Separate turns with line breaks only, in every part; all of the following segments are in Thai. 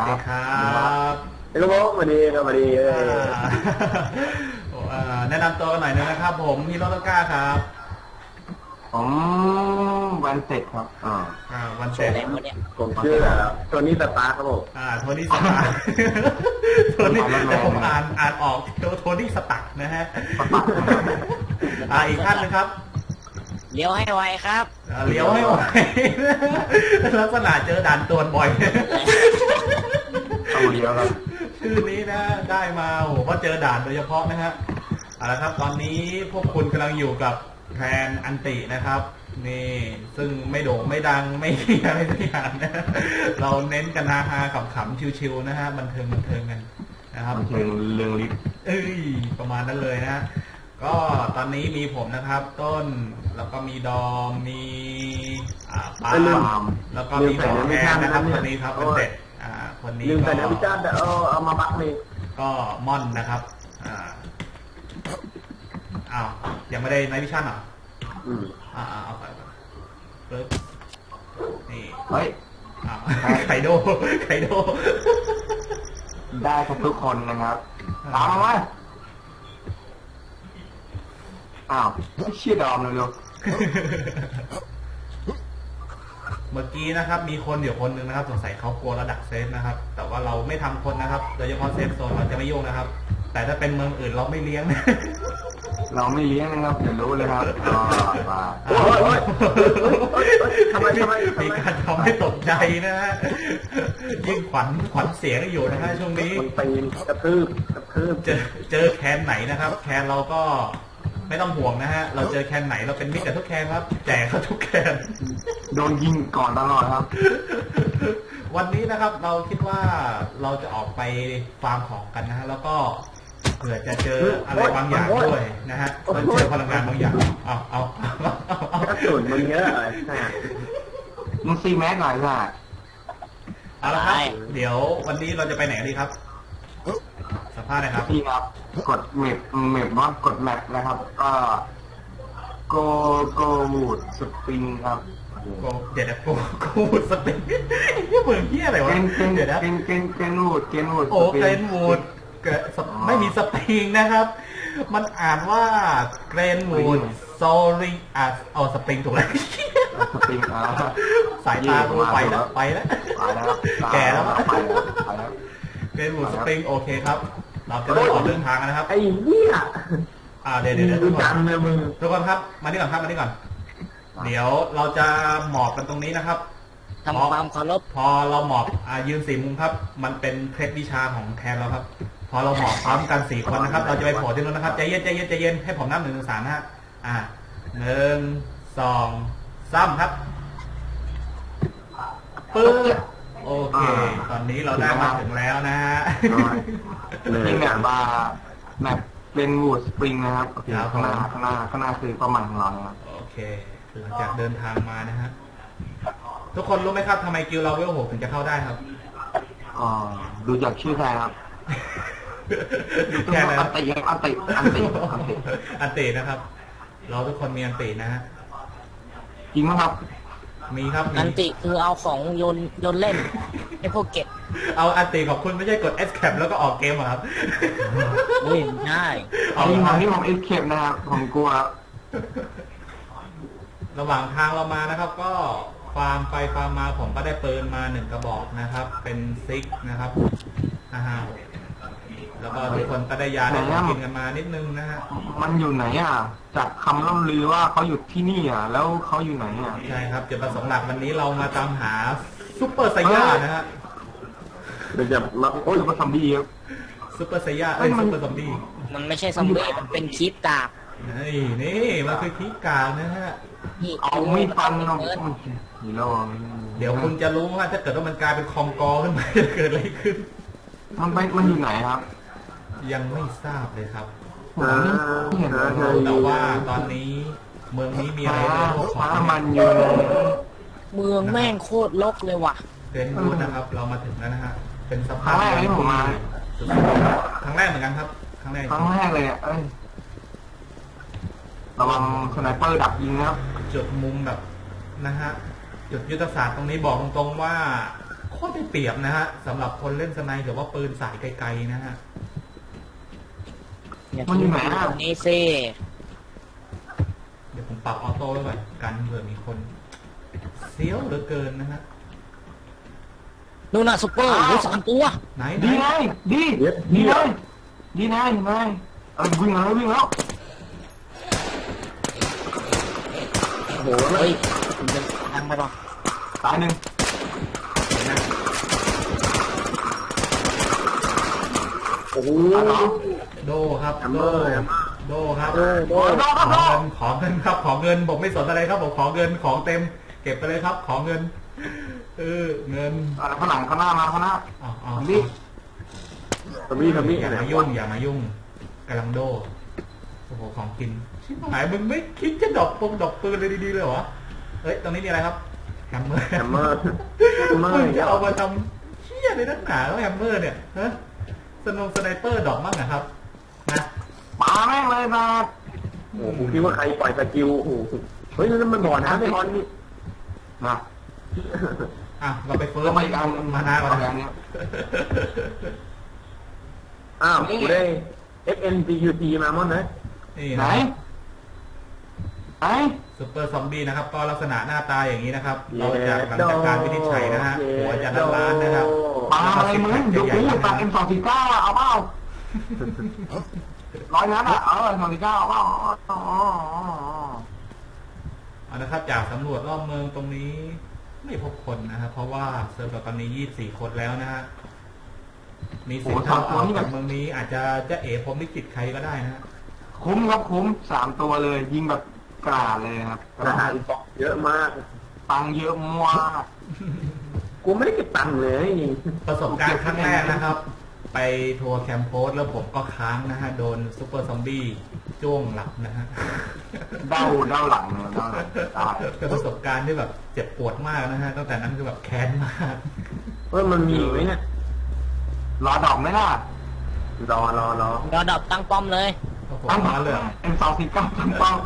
ดีครับ
ไอ้ลูกสวัสดีครับสวัสดี
แนะนำตัวกันหน่อยนึงนะครับผมฮีโร่ต้นกล้าครับ
ผมวันเสร็จครับ
วันเสร็จ
ผมชื่อโทนี่สตาร์ครับผม
โทนี่สตาร์โทนี่แต่ผมอ่านออกโทนี่สตักนะฮะอีกท่านนึงครับ
เลี้ยวให้ไวครับ
เลี้ยวให้ไวลักษณะเจอด่านตรวจบ่อย
เอาเลี้ยวครับ
ชื่อนี้นะได้มาโอ้โหเพราะเจอด่านโดยเฉพาะนะฮะเอาละครับตอนนี้พวกคุณกำลังอยู่กับแทนอันตินะครับนี่ซึ่งไม่โด่งไม่ดังไม่อะไรสักอย่างนะเราเน้นกันฮาๆขำๆชิวๆนะฮะบันเทิงกันนะครับ
บันเทิงเรื่องลิฟ
ประมาณนั้นเลยนะก็ตอนนี้มีผมนะครับต้นแล้วก็มีดอมมีปาล์มแล้วก็มีแทนนะครับคนนี้ครับเป็นเสร็จคนนี้
ลืมแต่นวิจารณ์เอามาบักเลย
ก็ม่อนนะครับยังไม่ได้ไนท์วิชั่นเหรอเอาไปปึ๊บนี่
เฮ้ย
ไคโด
ได้ทุกคนนะครับตามมาชื่อดอมเลยลูก
เมื่อกี้นะครับมีคนอยู่คนหนึ่งนะครับสงสัยเขากลัวระดับเซฟนะครับแต่ว่าเราไม่ทำคนนะครับโดยเฉพาะเซฟโซนเราจะไม่ยุ่งนะครับแต่ถ้าเป็นเมืองอื่นเราไม่เลี้ยง
เราไม่เลี้ยงนะครับเดี๋ยวรู้เลยครับ
ทำไม
มีการทำให้ตกใจนะฮะยิ่งขวัญเสียงอยู่นะฮะช่วงนี้
ตีนกระทืบ
เจอแคนไหนนะครับแคนเราก็ไม่ต้องห่วงนะฮะเราเจอแคนไหนเราเป็นมิตรกับทุกแคนครับแจกเขาทุกแคน
โดนยิงก่อนตลอดครับ
วันนี้นะครับเราคิดว่าเราจะออกไปฟาร์มของกันนะฮะแล้วก็เผื่อจะเจออะไรบางอย่างด้วยนะฮะมันเจอพลังงานบางอย่างเอา
กระสุนมันเยอะ
มึงซีแม็กหน่อยค่ะ
เอาละครับเดี๋ยววันนี้เราจะไปไหนดีครับสัมภาษณ์นะครับ
พี่ครับกดเมปว่ากดแมปนะครับก็โกวูดสปริงครับ
เดี๋ยวโกวูดสปริงนี่เหมือนเหี้ยอะไรวะ
เดี๋ยวนะเกนวูด
โอ้เกนวูดไม่มีสปริงนะครับมันอ่านว่าเกรนวูดโซลิงสปริงถูกแล้ว
สปริง
สายตากูไปแล้วแก่แล้วเกรนวูดสปริงโอเคครับเราจะได้ออกเดินทางกันนะครับ
ไอ้เนี่ย
เดี๋ยวทุกคนครับมานี่ก่อนเดี๋ยวเราจะหมอบกันตรงนี้นะครับ
ทำความเคารพ
พอเราหมอบยืน4 มุมครับมันเป็นเคล็ดวิชาของแทนเราครับพอเราหมอบพร้อมกัน4 คนนะครับเราจะไปโผล่ที่นู้นนะครับใจเย็นให้ผมนับ1 ถึง 3นะฮะ1 2 3ครับปึ๊บโอเคตอนนี้เราได้มาถึงแล้วนะฮะ
นี่แบบว่าแมปเป็นวูดสปริงนะครับข้างหน้าคือเป้าหมายของเราครับ
โอเคหลังจากเดินทางมานะฮะทุกคนรู้ไหมครับทำไมกิลเราเวล 6ถึงจะเข้าได้ครับ
ดูจากชื่อใครครับ
แค่นั้น
อัน
ตินะครับเราทุกคนมีอันตินะฮะ
จริงไหมครับ
มีครับ
อันติคือเอาของโยนเล่นไอ้พวกเก็บ
เอาอันติของคุณไม่ใช่กด escape แล้วก็ออกเกมเหรอครับ
ไม่ได้
นี่ผม escape นะครับผมกลัว
ระหว่างทางเรามานะครับก็ฟาร์มไปฟาร์มมาผมก็ได้ปืนมา1 กระบอกนะครับเป็นซิกนะครับแล้วก็ทุกคนก็ได้ยาได้กินกันมานิดนึงนะฮะ
มันอยู่ไหนจากคำล่ำลือว่าเขาอยู่ที่นี่แล้วเขาอยู่ไหน
ใช่ครับจุดประสงค์หลักวันนี้เรามาตามหาซุปเปอร์ไซย่านะฮะ
เดี๋ยวจะมา
ซุปเปอร์ซอมบี้ครับ
ซุปเปอร์ไซย่าซุปเปอร์ซอมบี้
มันไม่ใช่ซอมบี้มันเป็นคีปกาก
นี่มันคือคีปกากนะฮะ
เอาไม่ฟันเรา
เดี๋ยวคุณจะรู้ว่าถ้าเกิดว่ามันกลายเป็นคองกอขึ้นมาจะเกิดอะไรขึ้น
มันอยู่ไหนครับ
ยังไม่ทราบเลยครับแต่ว่าตอนนี้เมืองนี้มีอะไร
พวกมันอยู่
เมืองแม่งโคตรรกเลยว่ะ
เป็นรูทนะครับเรามาถึงแล้วนะฮะเป็นสภาพ
แรกที่ผมมา
ครั้งแรกเหมือนกันครับครั้งแรก
เลยระวังสไนเปอร์ดักยิงนะครับ
จุดมุมแบบนะฮะจุดยุทธศาสตร์ตรงนี้บอกตรงๆว่าโคข้อได้เปรียบนะฮะสำหรับคนเล่นสไนหรือว่าปืนสายไกลๆนะฮะ
อย่าทิ้งผมตรงนี้สิ
เดี๋ยวผมปรับออโต้ไว้ก่อนกันเผื่อมีคนเสี้ยวเหลือเกินนะฮะ
นู่นน่ะซุปเปอร์รู้3 ตัว
ไหน
ดีไงดีดีไงดีไงไงวิ่งแล้ววิ่งแล้ว
โอ้โห
เฮ้ยผมจะทำไปป่ะ
ตายหนึ่ง
โอ้โห
โดครับ
แฮมเมอร์แฮมเมอร์
โดครับ
โอ้โห
ขอเงินครับขอเงินผมไม่สนอะไรครับผมขอเงินของเต็ม เก็บไปเลยครับ ขอเงินเงิน
ข้างหลังข้างหน้ามาข้างหน้า
อ๋อ
นี่
ทำนี่
อย่ามายุ่งอย่ามายุ่งกำลังโดโอ้โหของกินชิบหายมึงไม่คิดจะดอกปืนเลยดีๆเลยวะเฮ้ยตรงนี้มีอะไรครับแฮมเมอร์
แฮมเมอร์แฮมเมอ
มึง
ร์
จะเอามาทำเชี่ยในนักหนาแล้วแฮมเมอร์เนี่ยฮะสไนเปอร์ดอกมั่งนะครับนะ
ปาแม่งเลยนะ
โอ้โหผมคิดว่าใครปล่อยสกิลโอ้โหเฮ้ยนั่นมันบ่อน้ำไม่ฮอนนี่
นะ
อ่ะเราไปเฟิร์
ก็
ส
มาอีกอัน
มานาก่อน
อั
นะ
นนี้
อ้าวกูได้ XNGUT มาหมดเลย
นี่
ไหน
นะ
ไหน
ซุปเปอร์ซอมบี้นะครับก็ลักษณะหน้าตาอย่างนี้นะครับ เราจะหลังจากการวินิจฉัยนะฮะหัวจะล้านๆนะครับ
ปาอะไรมึงยกมือปา M249 เอาเปล่า100 นัดอ่ะM249 เอาเปล่า
เอานะครับจากสำรวจรอบเมืองตรงนี้ไม่พบคนนะครับเพราะว่าเซิร์ฟเราตอนนี้24 คนแล้วนะฮะมีสิทธิ์ทางออกจากเมืองนี้อาจจะเอ๋ผมลิขิตใครก็ได้นะฮะ
คุ้มครับคุ้ม3 ตัวเลยยิงแบบกราดเลยครับ
ทหารบอกเยอะมาก
ตังค์เยอะมาก
กูไม่ได้เก็บตังค์เลย
ประสบการณ์ครั้งแรกนะครับ ไปทัวร์แคมป์โพสแล้วผมก็ค้างนะฮะโดนซุปเปอร์ซอมบี้จ้วงหลับนะฮะ
เด้าหลังเลยเด้าหลังตาย
เป็นประสบการณ์ที่แบบเจ็บปวดมากนะฮะตั้งแต่นั้นคือแบบแค้นมาก
ว่ามันมีไหมเนี่ย
รอดอกไหมล่ะ
รอ
รอดับตั้งป้อมเลย
โอ้โห
ตั้ง
มาเลย
M249 ตั้งเป้า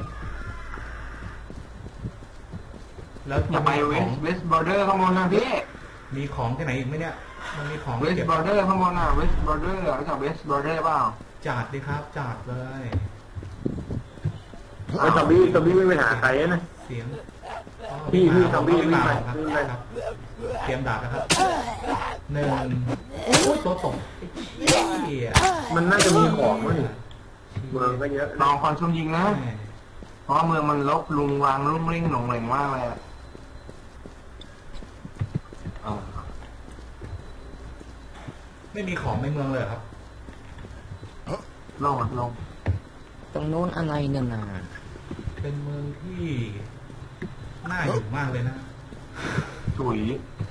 แล้ว
อย่าไปเวสบอร์เดอร์ข้างบนนะพี่
มีของที่ไหนอีกไหมเนี่ยมันมีของ
เวส
เก็บบ
อร์เดอร์ข้างบนน่ะเวสบอร์เดอร์รู้จักเวสบอร์เดอร์เปล่า
จัดดิครับจัดเลย
ไอ้ซอมบี้ไม่ไปหาใครนะ
เสียง
พี่ซอมบี้วิ่งไป
ครับ
วิ่งไป
ครับเตรียมดาบนะครับหนึ่งโอ้ยตัวตกไอ้เหี้ย
มันน่าจะมีของมั้งนี่เมืองก็เยอะ
ลองคอนซุมยิงนะ
แม่
เพราะว่าเมืองมันลกลุงวางรุ่งริ่งหลงเหลงมากเลยอะ
ไม่มีของในเมืองเลยเหรอครับ
ลงอ่ะลง
ตรงนู้นอะไรเนี่ยนะ
เป็นเมืองที่น่าอยู่มากเลยนะ
ถุย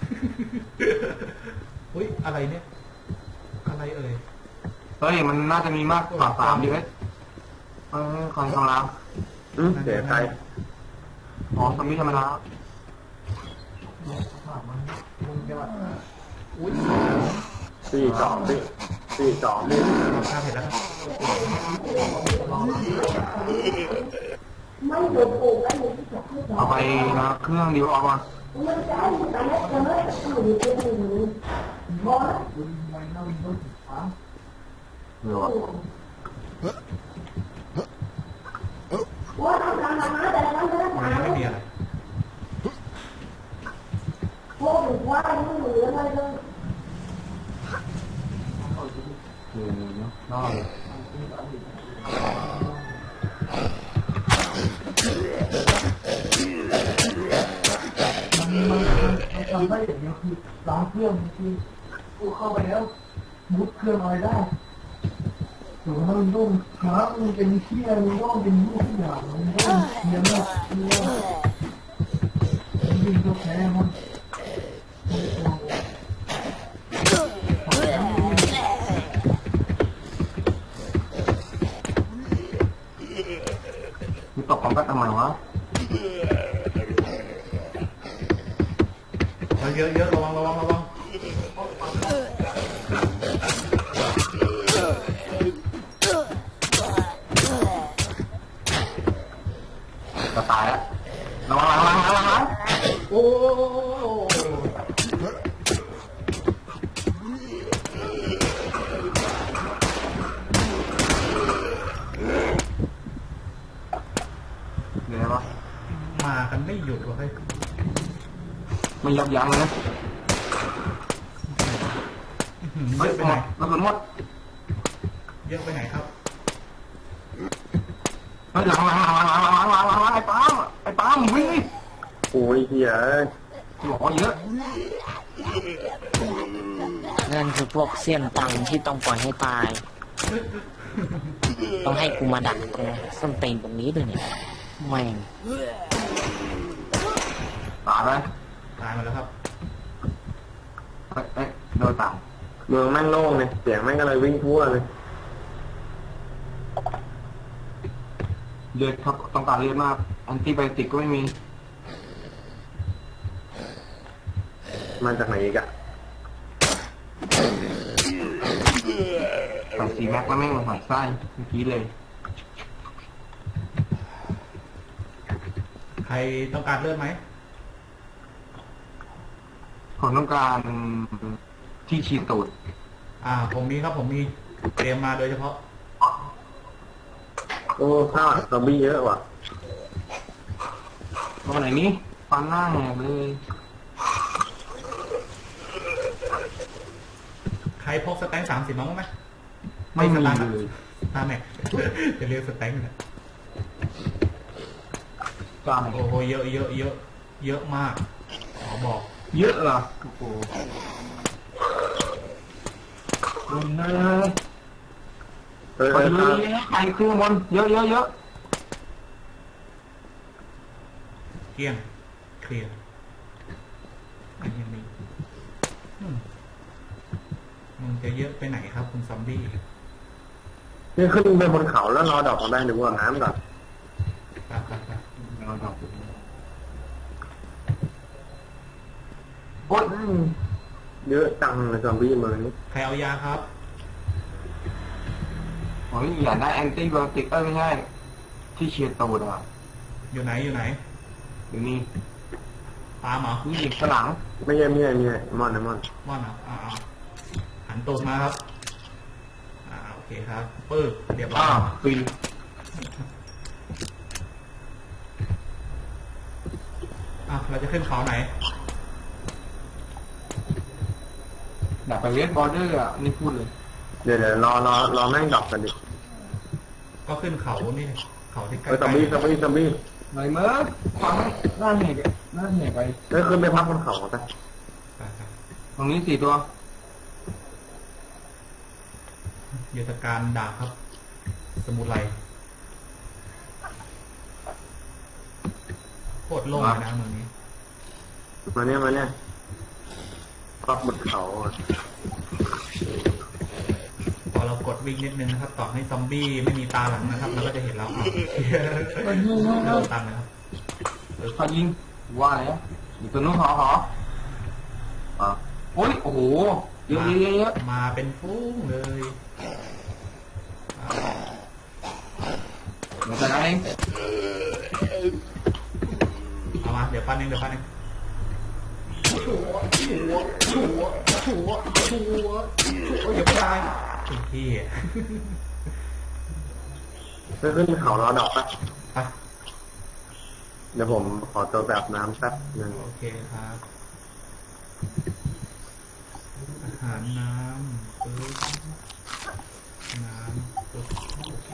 อุ้ยอะไรเนี่ยอะไรเอ่ย
เฮ้ยมันน่าจะมีมากกว่า3ดิเว้ยคอนกำลัง
เสียใคร
อ๋อซอมบี้ธรรมดา
อุ้ย
42พี่
ข้าเห็นแล้วครับ
เอาไปนะเครื่องดีออกมาเดี๋ยว
มันไม่มีอะไร
นอกทำได้อย่างเดียวคือล้างเครื่องคือกูเข้าไปแล้วมุดเครื่องอะไรได้ถึงมันต้องช้ามันเป็นเชี่ยมันต้องเป็นรูปอย่างมันต้องเชี่ยมากยิงก็แพ้มันมึงตกของกันทำไมวะ
เยอะระวัง
จะตายแล้วระวัง
โอ้
ไม่ยับยั้งเลย
เย
เฮ้ย
อะไป
ห
ไห
ม
น
ดแล้วมันหมด
เยอะไปไหนครับ
เฮ้ยหลังไอ้ปาล์มวิ่งดิโอ้ยเฮียหล่อเยอะ
นั่นคือพวกเสี้ยนตังที่ต้องปล่อยให้ตาย ต้องให้กูมาดักตรงส้นตีนตรงนี้ด้วยเนี่ยแม่ง
ตายไป
ตายมาแล้วครับ
เอ้ยโดนต่างเมืองแม่งโล่งเลยเสียงแม่งก็เลยวิ่งทั่วเลยเลือดครับต้องการเลือดมากแอนติไบโอติกก็ไม่มีมาจากไหนอีกอะใส่ซีแม็กแล้วแม่งมาใส่ไส้เมื่อกี้เลย
ใครต้องการเลือดไหม
ผมต้องการที่ฉีดตูด
ผมมีครับผมมีเตรียมมาโดยเฉพาะ
โอ้ข้าวซอมบี้เยอะว่ะตัวไหนนี้ฟันหน้าแหกเลย
ใครพกสแต็ง30น้องไหม
ไม่มี
สตังค์
เลย
แม็ก จะเรียกสแต็งนะ
กล้าไหน
โอ้โหเยอะเยอะเยอะเยอะมากขอบอก
เยอะเหรอโอ้โหลงเลยไปเลยไปขึ้นบนเยอะเยอะเยอะ
เกลี้ยงเคลียร์อันยังมีมึงจะเยอะไปไหนครับคุณซอมบี้
นี่ขึ้นไปบนเขาแล้วรอดอกมาได้หรือว่าน้ำก่อน
ไป
รอดอกโอ๊ยเยอะจังเลยซอมบี้เมืองนี้
ใครเอายาครับ
โอ้ยอยากได้แอนติไบโอติกไม่ใช่ที่เชียร์ตูดอ่ะ
อยู่ไหนอยู่ไหน
อยู่นี่
ปาล์มเหรอ
นี่ข้างหลังไม่ใช่มอน
ม่อนเหรอหันตูดมาครับโอเคครับปึ๊บเรียบร้อย
ปี
เราจะขึ้นเขาไหน
อยากไปเวสบอร์เดอร์อ่ะนี่พูดเลยเดี๋ยวรอแม่งดอกกันดิ
ก็ขึ้นเขานี่เขาที่ใกล้
ซอมบี้ไหนเมื่อฟังหน้าเหกไปแล้วขึ้นไปพักบนเขาไปตรงนี้4 ตัว
ยุทธการดาบครับ สมุไรโคตรโล่งเลยนะเมืองนี้
มาเนี่ยพักบนเขา
พอเรากดวิ่งนิดนึงนะครับ ต่อให้ซอมบี้ไม่มีตาหลังนะครับ เราก็จะเห็นแล้วโดนตันนะครับ
เขายิงว่าแล้วอยู่ตัวนู้นหอโอ้ยโอ้โหเยอะ
มาเป็นฟุ้งเลย
มาจากไหน
เอามาเดี๋ยวปั้นเองชัวอย่าไปตายพี่
จะขึ้นเขารอดอกปะ
ไป
เดี๋ยวผมขอตัวแบบน้ำแป๊บนึง
โอเคครับ อาหารน้ำปึ๊บน้ำปึ๊บโอเค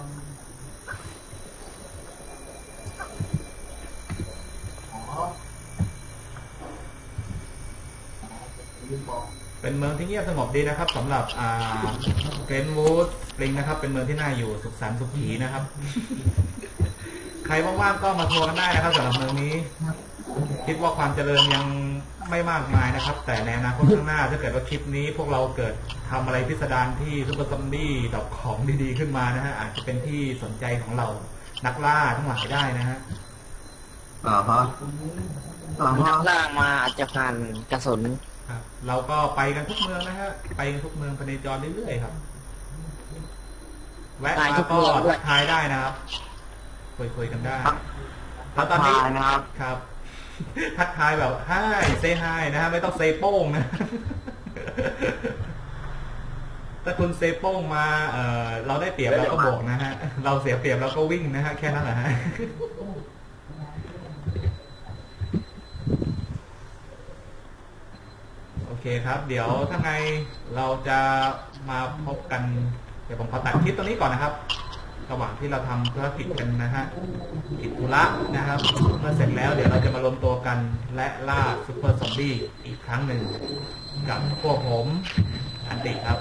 เป็นเมืองที่เงียบสงบดีนะครับสำหรับเกรนวูดสปริงนะครับเป็นเมืองที่น่าอยู่สุขสันต์สุขีนะครับ ใครว่างๆก็มาทัวร์กันได้นะครับสำหรับเมืองนี้ คิดว่าความเจริญยังไม่มากมายนะครับ แต่ในอนาคตข้างหน้าถ้าเกิดว่าคลิปนี้พวกเราเกิดทำอะไรพิสดารที่ซุปเปอร์ซอมบี้ดอกของดีๆขึ้นมานะฮะอาจจะเป็นที่สนใจของเรานักล่าทั้งหลายได้นะฮะ
นักล่ามาอาจจะผ่านกระสุน
ครับเราก็ไปกันทุกเมืองนะฮะไปกันทุกเมืองไปในจรเรื่อยๆครับแวะมาก็ทักทายได้นะครับคุยกันได้แล้วตอนนี้ครับ ทักทายแบบไฮเซฮายนะฮะไม่ต้องเซโป้งนะ ถ้าคุณเซโป้งมาเราได้เปรียบเราก็โบกนะฮะเราเสียเปรียบเราก็วิ่งนะฮะแค่นั้นแหละฮะครับ เดี๋ยวถ้าไงเราจะมาพบกันเดี๋ยวผมขอตัดคลิปตรงนี้ก่อนนะครับระหว่างที่เราทำธุรกิจกันนะฮะกิจธุระนะครับเมื่อเสร็จแล้วเดี๋ยวเราจะมารวมตัวกันและล่าซุปเปอร์ซอมบี้อีกครั้งหนึ่งกับพวกผมอันติครับ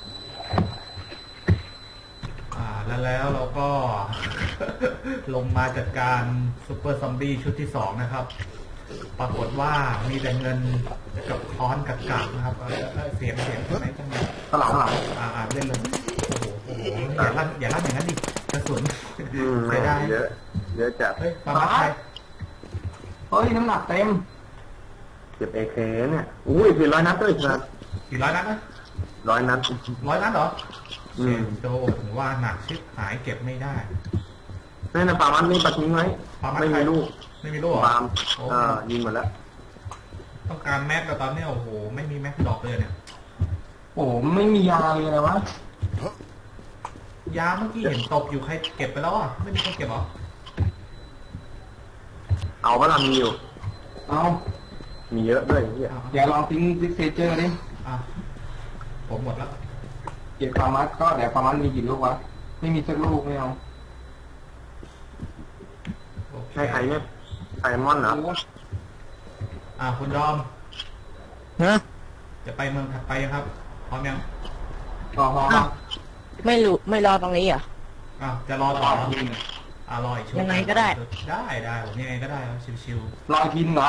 แล้วเราก็ ลงมาจัดการซุปเปอร์ซอมบี้ชุดที่2นะครับปรากฏว่ามีแต่เงินกับค้อนกับกาบนะครับเสียงไหนจังเลย
ข้างหลัง
เล่นเลยโอ้โหอย่าลั่นอย่างนั้นดิกระสุน
ไม่ได้เยอะจัด
เฮ้ยปามาใคร
เฮ้ยน้ำหนักเต็ม
เก็บAKเนี่ยอุ้ย400 นัดด้วยครับ
400 นัดนะ
100 นัด
100 นัดเหรอโดถึงว่าหนักชิบหายเก็บไม่ได้
นั่นนะปามันนี่ปัดทิ้งไว้ไม่มีลูก
ไม่มีลูกเหรอ
ปามยิงหมดแล้ว
ต้องการแม็กแต่ตอนนี้โอ้โหไม่มีแม็กดอกเลยเนี่ย
โอ้ไม่มียาเลยนะวะ
ยาเมื่อกี้เห็นตกอยู่ใครเก็บไปแล้วอ่ะไม่มีคนเก็บหรอ
เอาว่าเรามีอยู่
เอา
มีเยอะด้วย
อย่าลองทิ้งซิกเซเจอร์ดิ
ผมหมดแล้ว
เก็บฟาร์มัสก็แต่ฟาร์มัสมีกี่ลูกวะไม่มีสักลูกไม่เอา
ใช่ใครเนี่ยไซมอนเหรอ
คุณดอมจะไปเมืองถัดไปครับพร้อมยัง
ไม่รอตรงนี้อ่ะ
จะรอต่อรออีก
ยังไงก็ได้
ได้ผมยังไงก็ได้ครับชิว
ๆรอทีนึงเหรอ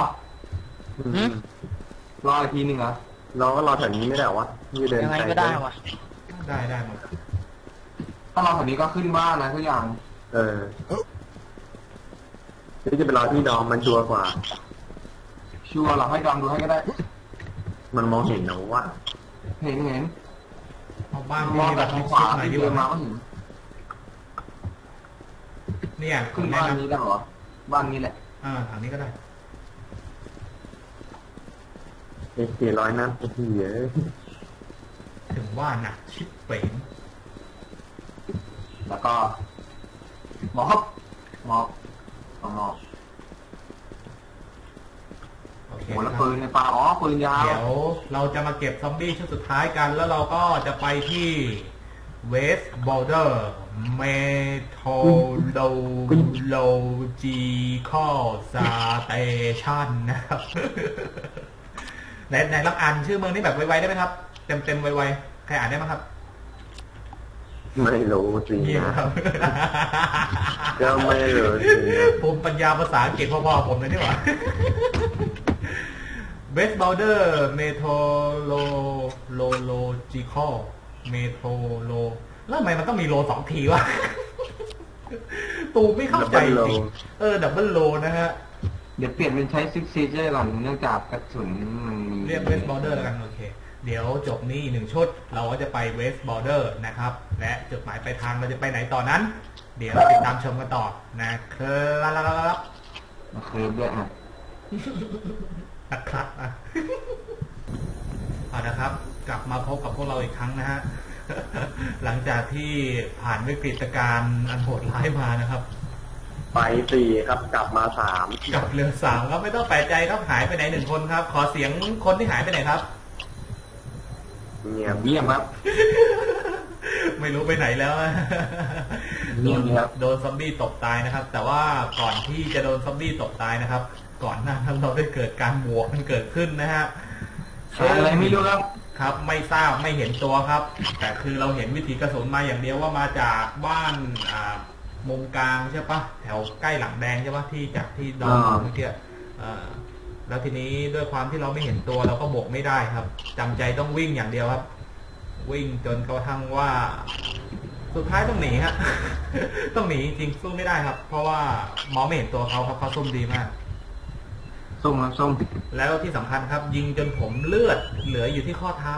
รอทีนึงเหรอ
รอแถวนี้ไม่ได้หรอวะ
ยังไงก็ได้วะ
ได้หมด
ถ้ารอแถวนี้ก็ขึ้นบ้านนะทุกอย่าง
นี่จะเป็นรอที่ดอมมันชัวร์กว่า
ชัวร์หรอให้ดอมดูให้ก็ได้
มันมองเห็นนะว่า
เห็น
บ้าน
มองแบบขวาที่เดินมาก็เห็น
เนี่ย
ขึ้นบ้านนี้ได้หรอบ้านนี้แหละ
ทางนี้ก็ได้
400 นัดเยอะ
ถึงว่าหนักชิบเป๋ง
แล้วก็หมอบ
โอเค
แล้วปืนในป่าปืนยาว
เดี๋ยวเราจะมาเก็บซอมบี้ชุดสุดท้ายกันแล้วเราก็จะไปที่เวสต์บอลเดอร์เมโทโลจีคอลสเตชันนะครับไหนรับอ่านชื่อเมืองนี้แบบไวๆได้ไหมครับเต็มไวๆใครอ่านได้ไหมครับ
ไม่รู้จริง
นะครับ
ก็ไม่รู้
ผมปัญญาภาษาอังกฤษพ่อผมเลยนี่หว่าเวสต์บอลเดอร์เมโทโลจิคอลเมโทโลแล้วทำไมมันต้องมีโล2 ทีวะตูไม่เข้าใจจริงดับเบิลโลนะฮะ
เดี๋ยวเปลี่ยนเป็นใช้ซิกซีเจอร์ก่อนเนื่องจากกระสุนมันมี
เรียกเวสต์บอลเดอร์แล้วกันโอเคเดี๋ยวจบนี้1 ชุดเราก็จะไปเวสต์บอลเดอร์นะครับและจุดหมายปลายทางเราจะไปไหนต่อนั้นเดี๋ยวติดตามชมกันต่อนะครับ
ด้วย
นะครับนะครับกลับมาพบกับพวกเราอีกครั้งนะฮะหลังจากที่ผ่านวิกฤตการณ์อันโหดร้ายมานะครับ
ไป4ครับกลับมา3
กลับเรือ3ครับไม่ต้องแปลกใจครับหายไปไหน1 คนครับขอเสียงคนที่หายไปไหนครับ
เงียบครับ
ไม่รู้ไปไหนแล้วโดนซอมบี้ตกตายนะครับ แต่ว่าก่อนที่จะโดนซอมบี้ตกตายนะครับก่อนหน้านั้นเราได้เกิดการบวกมันเกิดขึ้นนะฮะ
อะไรไม่รู้
ครับไม่ทราบไม่เห็นตัวครับแต่คือเราเห็นวิถีกระสุนมาอย่างเดียวว่ามาจากบ้านมุมกลางใช่ปะแถวใกล้หลังแดงใช่ปะที่จากที่ดอนเมื่อกี้แล้วทีนี้ด้วยความที่เราไม่เห็นตัวเราก็บวกไม่ได้ครับจำใจต้องวิ่งอย่างเดียวครับวิ่งจนกระทั่งว่าสุดท้ายต้องหนีฮะต้องหนีจริงสู้ไม่ได้ครับเพราะว่ามองไม่เห็นตัวเขาครับเขาซุ่มดีมาก
ส้ม
แล้วที่สำคัญครับยิงจนผมเลือดเหลืออยู่ที่ข้อเท้า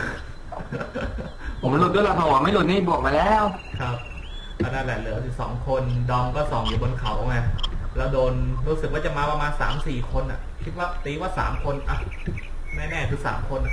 ผมหลุดด้วยละหัวไม่หลุดนี่บวกมาแล้ว
ครับนั่นแหละเหลืออยู่2 คนดอมก็ส่องอยู่บนเขาไงแล้วโดนรู้สึกว่าจะมาประมาณ3-4 คนอ่ะคิดว่าตีว่า3 คนอ่ะแน่ๆคือ3 คน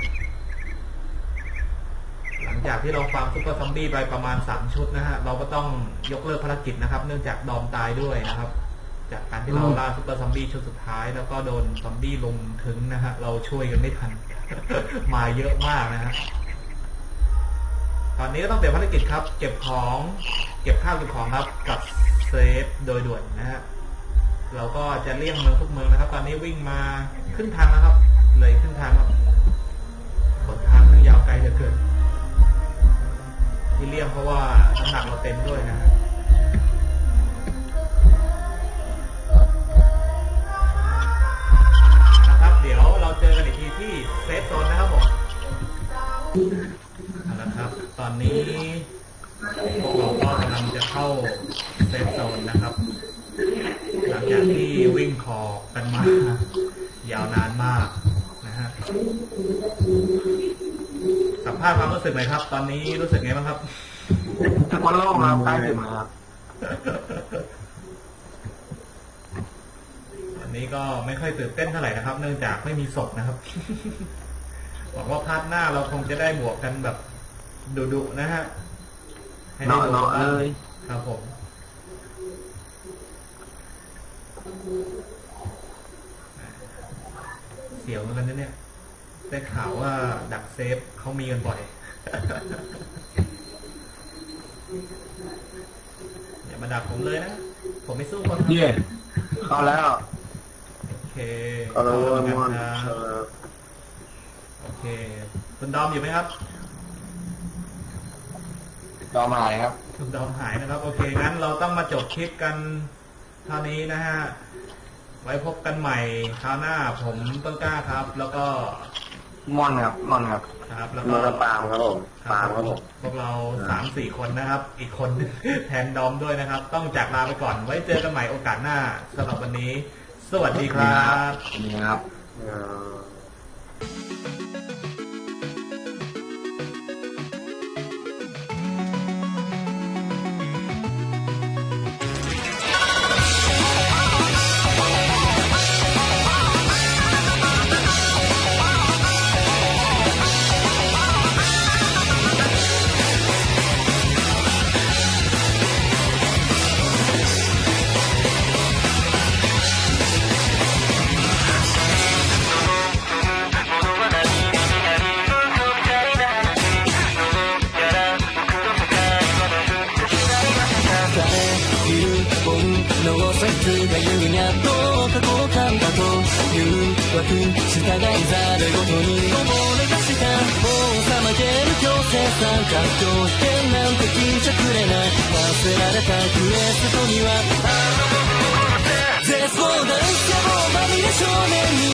หลังจากที่เราฟาร์มซุปเปอร์ซอมบี้ไปประมาณ3 ชุดนะฮะเราก็ต้องยกเลิกภารกิจนะครับเนื่องจากดอมตายด้วยนะครับจากการที่เราล่าซุปเปอร์ซอมบี้ชุดสุดท้ายแล้วก็โดนซอมบี้ลุมถึงนะฮะเราช่วยกันไม่ทันมาเยอะมากนะฮะตอนนี้ก็ต้องเตรียมภารกิจครับ เก็บของเก็บข้าวเก็บของครับกับเซฟโดยด่วนนะฮะเราก็จะเลี่ยงเมืองทุกเมืองนะครับ ตอนนี้วิ่งมาขึ้นทางแล้วครับ เลยขึ้นทางครับหนทางมันยาวไกลเหลือเกินที่เลี่ยงเพราะว่าน้ำหนักเราเต็มด้วยนะฮะนะครับเดี๋ยวเราเจอกันอีกทีที่เซฟโซนนะครับผมเอาละครับ ตอนนี้พวกเราก็กำลังจะเข้าเซฟโซนนะครับหลังจากที่วิ่งคอกันมายาวนานมากนะฮะสัมภาษณ์ความรู้สึกหน่อยครับ ตอนนี้รู้สึกไงบ้างครับ
ทุกคนโล่งแล้วใกล้ถึงแล้วครับ
วันนี้ก็ไม่ค่อยตื่นเต้นเท่าไหร่นะครับ เนื่องจากไม่มีศพนะครับ หวังว่าพาร์ทหน้าเราคงจะได้บวกกันแบบดุๆนะฮะให้ได้ดู
เนาะเลย
ครับผมเสียวเหมือนกันนะเนี่ยได้ข่าวว่าดักเซฟเขามีกันบ่อย อย่ามาดักผมเลยนะ ผมไม่สู้คนครับ
เย่เข้าแล้ว
โอเค
เอาละวน
เข้า
วน
กันครับโอเค คุณดอมอยู่ไหมครับ
รอมาหายครับ
คุณดอมหายนะครับ โอเค งั้นเราต้องมาจบคลิปกันเท่านี้นะฮะ ไว้พบกันใหม่คราวหน้าผมต้นกล้าครับ แล้วก็
ม่อนครับม่อนครับ
ครับ แล้ว
ม่
ก็
อนปาล์มครับผมปาล์มครับผม
พวกเรา3-4 คนนะครับ อีกคนแทนดอมด้วยนะครับ ต้องจากลาไปก่อน ไว้เจอกันใหม่โอกาสหน้าสำหรับวันนี้ สวัสดีครับ
นี่ครับ
の説が言うやっと過去感だという枠従いざるごとに溺れがしたもうさまげる強制参加条件なんて聞いちゃくれない忘れられたクエストには絶望だんさもまみれ少年に